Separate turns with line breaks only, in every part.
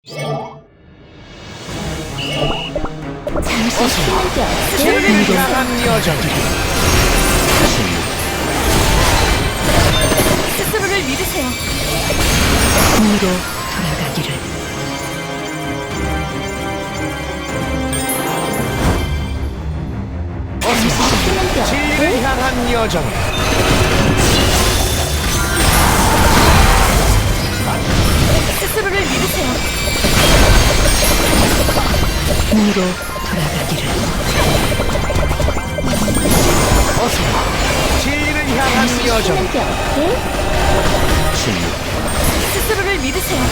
잠시 쉬는 게 어때?
진리를 향한 여정.
스스로를 믿으세요.
공으로 돌아가기를.
잠시 쉬는 게
진리를
어때?
향한 여정.
스스로를 믿으세요.
공으로 돌아가기를.
어서 진리를 향한 여정.
쉬는 게 어때? 스스로를 믿으세요.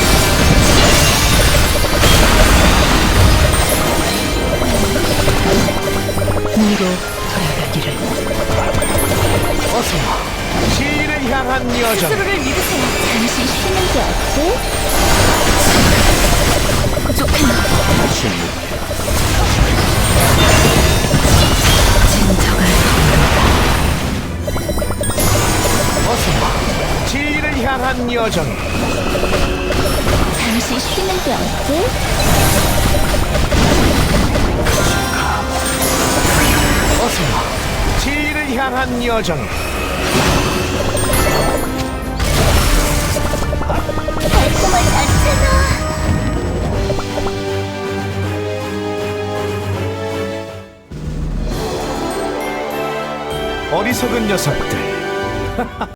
공으로 돌아가기를.
어서 진리를 향한 여정.
스스로를 믿으세요. 잠시 쉬는 게 어때?
진정한
어서 진리를 향한 여정.
잠시 쉬는 게 어때?
어서 진리를 향한 여정.
달콤한 않잖아.
어리석은 녀석들.